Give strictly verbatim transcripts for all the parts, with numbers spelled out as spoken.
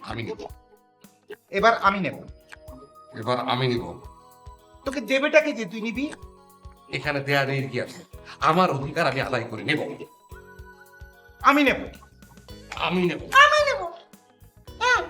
আমি নেব। এবার আমি নেব। এবার আমি নিব। তোকে দেবেটাকে যে তুই নিবি। এখানে দেয়া নেই কি আছে? আমার অধিকার আমি আদায় করে নেব। আমি নেব। আমি নেব। আমি নেব। হ্যাঁ।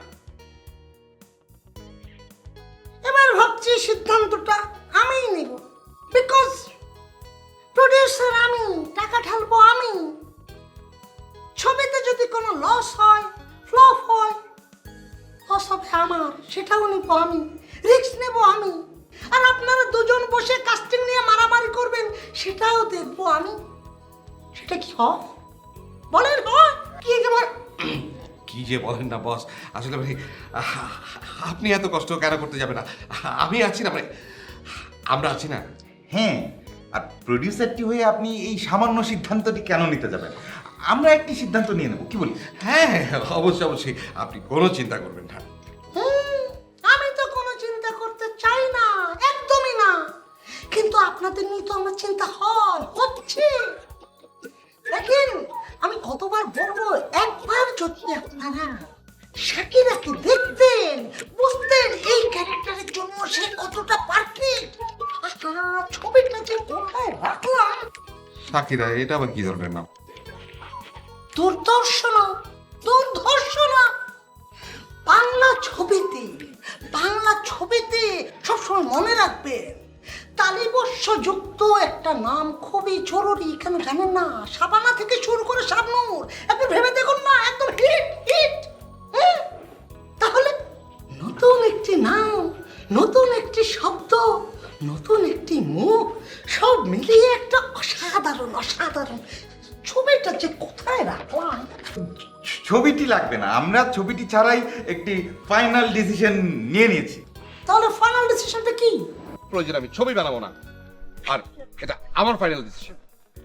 এবার ভাবছি সিদ্ধান্তটা আমিই নেব, বিকজ প্রডিউসার আমি, টাকা ঢালবো আমি। ছবিতে যদি কোনো লস হয়, ফ্লপ হয়, লস হবে আমার, সেটাও নেব আমি, রিস্ক নেব আমি। আর আপনারা দুজন বসে কাস্টিং নিয়ে মারামারি করবেন, সেটাও দেখবো আমি। সেটা কি হয় বলেন? হয় কি একেবারে কি যে বলেন না বস, আসলে ভাই আহ, আপনি এত কষ্ট কেন করতে যাবেন না? আমি আছি না, মানে আমরা আছি না। হ্যাঁ, আর প্রডিউসারটি হয়ে আপনি এই সামান্য সিদ্ধান্তটি কেন নিতে যাবেন? আমরা একটি সিদ্ধান্ত নিয়ে নেব, কি বলি? হ্যাঁ হ্যাঁ, অবশ্যই অবশ্যই, আপনি কোনো চিন্তা করবেন না। হুম, আমি তো কোনো চিন্তা করতে চাই না, একদমই না। কিন্তু আপনাদের নিয়ে তো আমার চিন্তা হয়, হচ্ছে। দেখেন, আমি কতবার বলবো, একবার যদি আপনারা শাকিরাকে দেখতেন, বুঝতেন এই ক্যারেক্টারের জন্য সে কতটা পারফেক্ট। আহা, ছবিটা যে কোথায় রাখলাম। সাকিরা, এটা আবার কি ধরনের নাম? দুর্দর্শনা, দুর্ধর্ষণা। বাংলা ছবিতে, বাংলা ছবিতে সবসময় মনে রাখবেন, তালিবস্য যুক্ত একটা নাম খুবই জরুরি। কেন জানেন না? শাবানা থেকে শুরু করে শাবনূর, একবার ভেবে দেখুন না, একদম হিট হিট। তাহলে নতুন একটি নাম, নতুন একটি শব্দ, নতুন একটি মুখ, সব মিলিয়ে একটা অসাধারণ অসাধারণ ছবিটা যে কোথায় রাখলাম। ছবিটি লাগবে না, আমরা ছবিটি ছাড়াই একটি ফাইনাল ডিসিশন নিয়ে নিয়েছি। তাহলে ফাইনাল ডিসিশনটা কি? প্রয়োজন আমি ছবি বানাবো না, আর এটা আমার ফাইনাল ডিসিশন।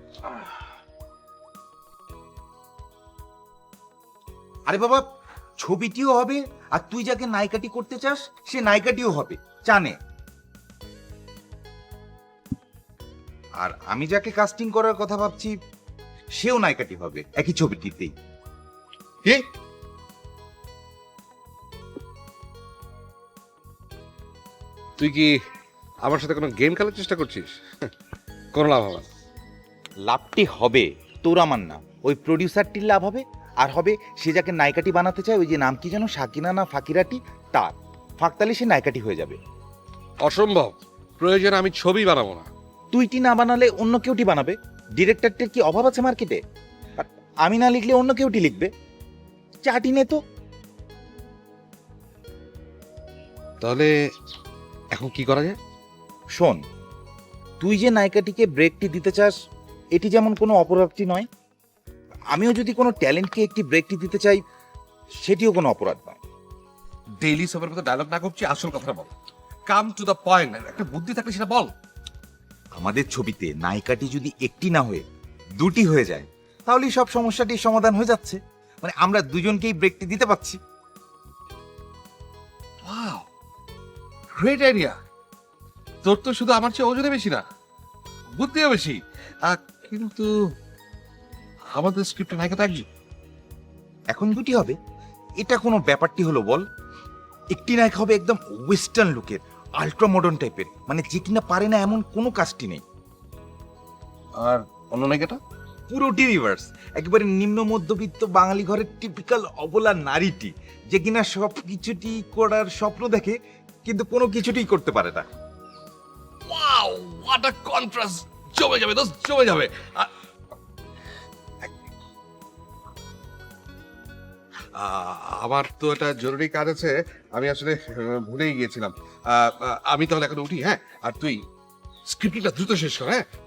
আরে বাবা, ছবিটিও হবে, আর তুই যাকে নায়িকাটি করতে চাস সে নায়িকাটিও হবে, জানে। আর আমি যাকে কাস্টিং করার কথা ভাবছি সেও নায়িকাটি হবে একই ছবিটিতেই। কি? তুই কি আমার সাথে কোনো গেম খেলার চেষ্টা করছিস? কোনো লাভ হবে না। লাভটি হবে তোর, আমার না, ওই প্রডিউসারটির লাভ হবে। আর হবে সে যাকে নায়িকাটি বানাতে চায়, ওই যে নাম কি যেন, সাকিনা না ফাকিরাটি, তার ফাঁকতালি সে নায়িকাটি হয়ে যাবে। অসম্ভব, প্রয়োজন আমি ছবি বানাবো না। তুইটি না বানালে অন্য কেউটি বানাবে। ডিরেক্টরটির কি অভাব আছে মার্কেটে? আর আমি না লিখলে অন্য কেউটি লিখবে। চাটি নে তো। তাহলে এখন কি করা যায়? শোন, তুই যে নায়িকাটিকে ব্রেকটি দিতে চাস, এটি যেমন কোনো অপরাধটি নয়, আমিও যদি কোনো ট্যালেন্টকে একটি ব্রেকটি দিতে চাই, সেটিও কোনো অপরাধ নয়। ডেইলি সবের মতো ডায়লগ না করছি, আসল কথাটা বল। কাম টু দ্য পয়েন্ট, একটা বুদ্ধি থাকলে সেটা বল। আমাদের ছবিতে নায়িকাটি যদি একটি না হয়ে দুটি হয়ে যায়, তাহলেই সব সমস্যাটির সমাধান হয়ে যাচ্ছে। মানে আমরা দুজনকেই ব্রেকটি দিতে পারছি। Wow, great idea. তোর তো শুধু আমার চেয়ে ওজনে বেশি না, বুদ্ধিও বেশি। আহ, কিন্তু আমাদের স্ক্রিপ্টে নায়িকা তো একজন। এখন দুটি হবে, এটা কোনো ব্যাপারটি হলো বল? একটি নায়িকা হবে একদম ওয়েস্টার্ন লুকের, আল্ট্রা মডার্ন টাইপের, মানে যে কিনা পারে না এমন কোনো কাজটি নেই। আর অন্য নায়িকাটা? পুরোটি রিভার্স, একেবারে নিম্ন মধ্যবিত্ত বাঙালি ঘরের টিপিক্যাল অবলা নারীটি, যে কিনা সব কিছুটি করার স্বপ্ন দেখে কিন্তু কোনো কিছুটি করতে পারে না। Wow, what a contrast! জমে যাবে দোস্ত, জমে যাবে। আ- আ- আমার তো একটা জরুরি কাজ আছে, আমি আসলে আহ, ভুলেই গিয়েছিলাম। আহ, আহ, আমি তাহলে এখন উঠি, হ্যাঁ? আর তুই স্ক্রিপ্টটা দ্রুত শেষ কর, হ্যাঁ?